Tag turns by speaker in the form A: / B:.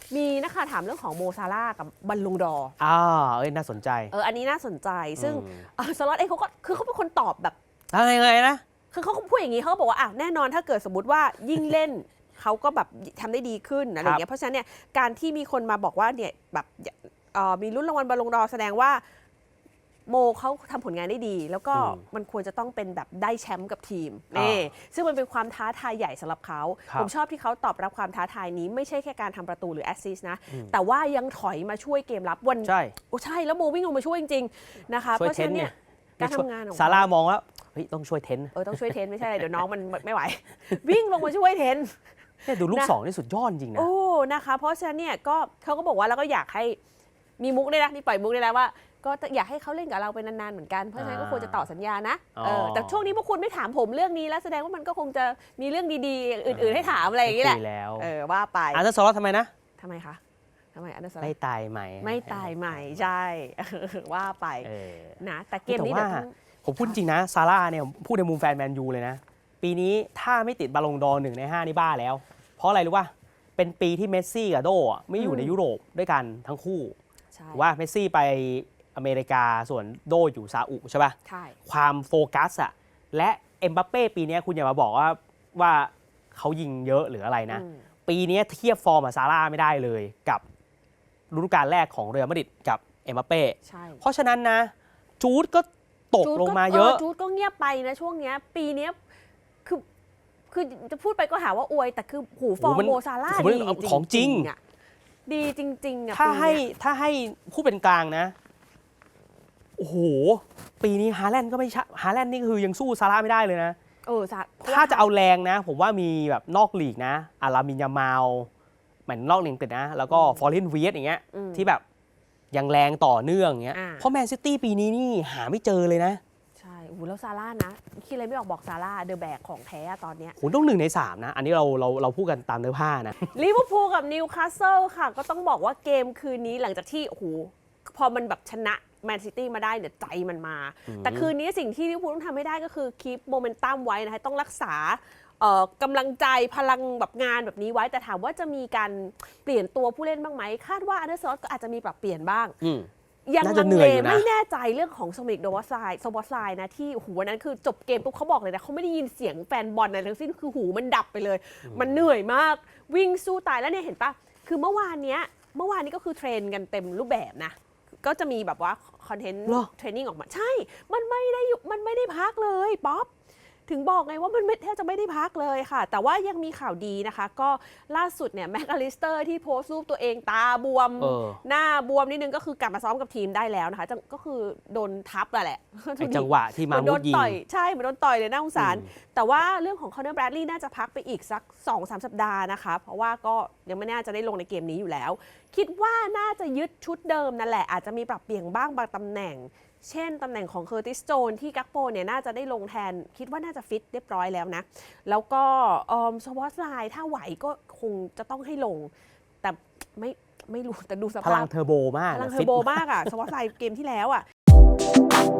A: มีนะคะถามเรื่องของโมซาร่ากับบอลลูนดอร์
B: น่าสนใจ
A: อันนี้น่าสนใจซึ่งสล็อตเองเขาก็คือเขาเป็นคนตอบแบบ
B: ยังไงนะ
A: คือเขาพูดอย่างนี้เขาบอกว่าแน่นอนถ้าเกิดสมมติว่ายิ่งเล่นเขาก็แบบทำได้ดีขึ้นอะไรอย่างเงี้ยเพราะฉะนั้นเนี่ยการที่มีคนมาบอกว่าเนี่ยแบบมีลุ้นรางวัลบอลลูนดอร์แสดงว่าโมเขาทำผลงานได้ดีแล้วก็มันควรจะต้องเป็นแบบได้แชมป์กับทีมนี่ซึ่งมันเป็นความท้าทายใหญ่สำหรับเขาผมชอบที่เขาตอบรับความท้าทายนี้ไม่ใช่แค่การทำประตูหรือแอสซิสต์นะแต่ว่ายังถอยมาช่วยเกมรับวัน
B: ใช่
A: ใช่แล้วโมวิ่งลงมาช่วยจริงๆนะคะเพราะฉะนั้นเนี่ยการทำงานของ
B: ซาร่ามองว่าต้องช่วยเทน
A: ต้องช่วยเทนไม่ใช่เดี๋ยวน้องมันไม่ไหววิ่งลงมาช่วยเทน
B: ดูลูกสองนี่สุดยอดจริงนะ
A: นะคะเพราะฉะนั้นเนี่ยก็เขาก็บอกว่าแล้วก็อยากให้มีมุกได้นะมีปล่อยมุกได้แล้วว่าก็อยากให้เขาเล่นกับเราไปนานๆเหมือนกันเพราะฉะนั้นก็ควรจะต่อสัญญานะแต่ช่วงนี้พวกคุณไม่ถามผมเรื่องนี้แล้วแสดงว่ามันก็คงจะมีเรื่องดีๆอื่นๆให้ถามอะไรอย่างนี้แหละว่าไป
B: อันนั้นสล็อตทำไมนะ
A: ทำไมคะทำไมอันนั้น
B: ไม่ตายใหม่
A: ไม่ตายใหม่ใช่ว่าไปนะแต่เกมนี้
B: ผมพูดจริงนะซาร่าเนี่ยพูดในมุมแฟนแมนยูเลยนะปีนี้ถ้าไม่ติดบอลลงดอร์1 ใน 5นี่บ้าแล้วเพราะอะไรรู้ป่ะเป็นปีที่เมสซี่กับโดไม่อยู่ในยุโรปด้วยกันทั้งคู่ว่าเมสซี่ไปอเมริกาส่วนโดอยู่ซาอุใช่ป่ะ
A: ใช่
B: ความโฟกัสอะและเอ็มบัปเป้ปีนี้คุณอย่ามาบอกว่าเขายิงเยอะหรืออะไรนะปีนี้เทียบฟอร์มกับซาร่าไม่ได้เลยกับฤดูกาลแรกของเรอัลมาดริดกับเอ็มบัปเป้เพราะฉะนั้นนะจูดก็ตกลงมาเยอะ
A: จูดก็เงียบไปนะช่วงนี้ปีนี้คือจะพูดไปก็หาว่าอวยแต่คือหูฟอร์มโมซาร่าดี
B: ของจริง
A: ดีจริงๆ
B: ถ้าให้พูดเป็นกลางนะโอ้โหปีนี้ฮาแลนด์ก็ไม่ใช่ฮาแลนด์นี่คือยังสู้ซาร่าไม่ได้เลยนะถ้าจะเอาแรงนะผมว่ามีแบบนอกลีกนะอารามินยามาลเหมือนนอกลีกนะแล้วก็ฟอร์เรนเวียสอย่างเงี้ยที่แบบยังแรงต่อเนื่องอย่างเงี้ยเพราะแมนซิตี้ปีนี้นี่หาไม่เจอเลยนะ
A: ใช่แล้วซาร่านะคิดอะไรไม่ออกบอกซาร่าเดอะแบกของแท้ตอนเนี้ย
B: ต้อง1 ใน 3นะอันนี้เราพูดกันตามเนื้อผ้านะ
A: ลิเวอร์พูลกับนิวคาสเซิลค่ะก็ต้องบอกว่าเกมคืนนี้หลังจากที่พอมันแบบชนะแมนซิตี้มาได้เนี่ยใจมันมาแต่คืนนี้สิ่งที่ลิเวอร์พูลต้องทำให้ได้ก็คือคีปโมเมนตัมไว้นะคะต้องรักษากำลังใจพลังแบบงานแบบนี้ไว้แต่ถามว่าจะมีการเปลี่ยนตัวผู้เล่นบ้างไหมคาดว่าอันเดอร์ซอสก็อาจจะมีปรับเปลี่ยนบ้างยังลังเลไม่แน่ใจเรื่องของโซมิกโดวอสไลน์นะที่วันนั้นคือจบเกมปุ๊บเขาบอกเลยนะเขาไม่ได้ยินเสียงแฟนบอลอะไรทั้งสิ้นคือหูมันดับไปเลยมันเหนื่อยมากวิ่งสู้ตายแล้วเนี่ยเห็นปะคือเมื่อวานนี้ก็คือเทรนกันเต็มรูปแบบนะก็จะมีแบบว่าคอนเทนต์เทรนนิ่งออกมาใช่มันไม่ได้พักเลยป๊อปถึงบอกไงว่ามันแทบจะไม่ได้พักเลยค่ะแต่ว่ายังมีข่าวดีนะคะก็ล่าสุดเนี่ยแม็กอลิสเตอร์ที่โพสต์รูปตัวเองตาบวมหน้าบวมนิดนึงก็คือกลับมาซ้อมกับทีมได้แล้วนะคะก็คือโดนทับแหละ
B: จังหวะที่มามุดยิง
A: ใช่เหมือนโดนต่อยเลยน่าสงสารแต่ว่าเรื่องของคอนเนอร์แบรดลีย์น่าจะพักไปอีกสัก 2-3 สัปดาห์นะคะเพราะว่าก็ยังไม่น่าจะได้ลงในเกมนี้อยู่แล้วคิดว่าน่าจะยึดชุดเดิมนั่นแหละอาจจะมีปรับเปลี่ยนบ้างบางตำแหน่งเช่นตำแหน่งของเคอร์ติสโจนที่กักโปเนี่ยน่าจะได้ลงแทนคิดว่าน่าจะฟิตเรียบร้อยแล้วนะแล้วก็สวอตไลน์ถ้าไหวก็คงจะต้องให้ลงแต่ไม่รู้แต่ดูสภาพ
B: พลังเทอร์โบมาก
A: พลังเทอร์โบมากอะสวอตไลน์เกมที่แล้วอะ